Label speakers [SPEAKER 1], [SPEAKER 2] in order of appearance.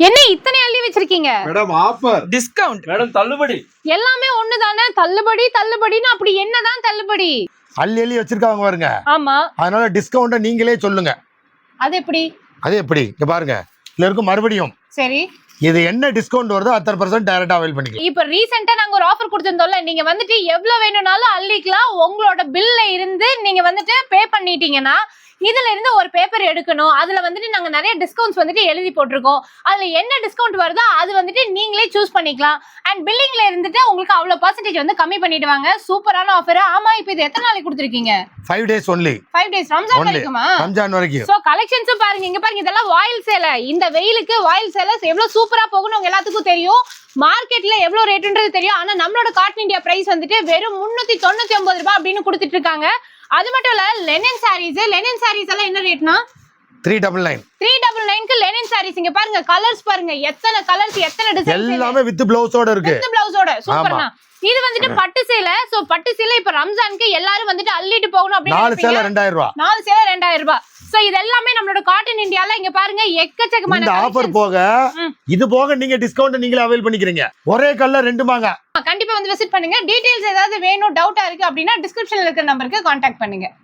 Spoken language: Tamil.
[SPEAKER 1] என்ன இத்தனை அள்ளி வச்சிருக்கீங்க?
[SPEAKER 2] மேடம் ஆஃபர்,
[SPEAKER 3] டிஸ்கவுண்ட்,
[SPEAKER 2] மேடம் தள்ளுபடி.
[SPEAKER 1] எல்லாமே ஒண்ணுதானே. தள்ளுபடி தள்ளுபடின்னு அப்படி என்னதான் தள்ளுபடி?
[SPEAKER 4] அள்ளி வச்சிருக்காங்க பாருங்க.
[SPEAKER 1] ஆமா,
[SPEAKER 4] அதனால டிஸ்கவுண்ட நீங்களே சொல்லுங்க.
[SPEAKER 1] அது எப்படி?
[SPEAKER 4] இங்க பாருங்க, இதுல இருக்கும் மறுபடியும்
[SPEAKER 1] சரி,
[SPEAKER 4] இது என்ன டிஸ்கவுண்ட் வருதோ அத்தனை % டைரக்டா அவைல் பண்ணிக்கலாம்.
[SPEAKER 1] இப்ப ரீசெண்டா நாங்க ஒரு ஆஃபர் கொடுத்திருந்தோம்ல, நீங்க வந்துட்டு எவ்வளவு வேணும்னாலும் அள்ளிக்கலாம். உங்களோட பில்ல இருந்து நீங்க வந்துட்டு பே பண்ணிட்டீங்கன்னா இதுல இருந்து ஒரு பேப்பர் எடுக்கணும். அதுல வந்துட்டு நாங்க நிறைய டிஸ்கவுண்ட்ஸ் வந்துட்டு எழுதி போட்டிருக்கோம். அதுல என்ன டிஸ்கவுண்ட் வருதோ அது வந்துட்டு நீங்களே சூஸ் பண்ணிக்கலாம். அண்ட் பில்லிங்ல இருந்துட்டு உங்களுக்கு அவ்வளவு % வந்து கம்மி பண்ணிடுவாங்க. சூப்பரான ஆஃபர். ஆமா, இப்போ இது எத்தனை நாளைக்கு கொடுத்துருக்கீங்க?
[SPEAKER 4] 5 days only.
[SPEAKER 1] 5 days, Ramzan வரைக்குமா?
[SPEAKER 4] Ramzan வரைக்கும்.
[SPEAKER 1] சோ கலெக்ஷன்ஸும் பாருங்க, இங்க பாருங்க, இதெல்லாம் வாயில் சேலை. இந்த வெயிலுக்கு வாயில் சேலை எவ்வளவு சூப்பரா போகும்னு உங்க எல்லாத்துக்கும் தெரியும். மார்க்கெட்ல எவ்வளவு ரேட்ன்றது தெரியும். ஆனா நம்மளோட காட்டன் இந்தியா பிரைஸ் வந்துட்டு வெறும் 399 ரூபாய் அப்படின்னு கொடுத்துட்டு இருக்காங்க. அது மட்டும் இல்ல, லெனின் சாரீஸ் எல்லாம் என்ன ரேட்னா
[SPEAKER 4] 399.
[SPEAKER 1] 399க்கு லெனின் சாரீஸ். இங்க பாருங்க, கலர்ஸ் பாருங்க, எத்தனை கலர்ஸ், எத்தனை டிசைன்ஸ்,
[SPEAKER 4] எல்லாமே வித் பிளவுஸோட இருக்கு.
[SPEAKER 1] வித் பிளவுஸோட சூப்பர்னா. இது வந்துட்டு பட்டு சேலை. சோ பட்டு சேலை இப்ப ரம்ஜானுக்கு எல்லாரும் வந்துட்டு அள்ளிட்டு போகணும் அப்படின்னு
[SPEAKER 4] 4 சேலை 2000 ரூபாய்.
[SPEAKER 1] 4 சேலை 2000 ரூபாய். சோ இது எல்லாமே நம்மளோட காட்டன் இந்தியால. இங்க பாருங்க, எக்கச்சக்கமான
[SPEAKER 4] இந்த ஆஃபர் போக இது போக நீங்க டிஸ்கவுண்ட் நீங்களே அவைல் பண்ணிக்கிறீங்க. ஒரே கல்ல 2 வாங்க.
[SPEAKER 1] கண்டிப்பா வந்து விசிட் பண்ணுங்க. டீடைல்ஸ் ஏதாவது வேணும், டவுட்டா இருக்கு அப்படின்னா டிஸ்கிரிப்ஷன்ல இருக்கிற நம்பருக்கு கான்டாக்ட் பண்ணுங்க.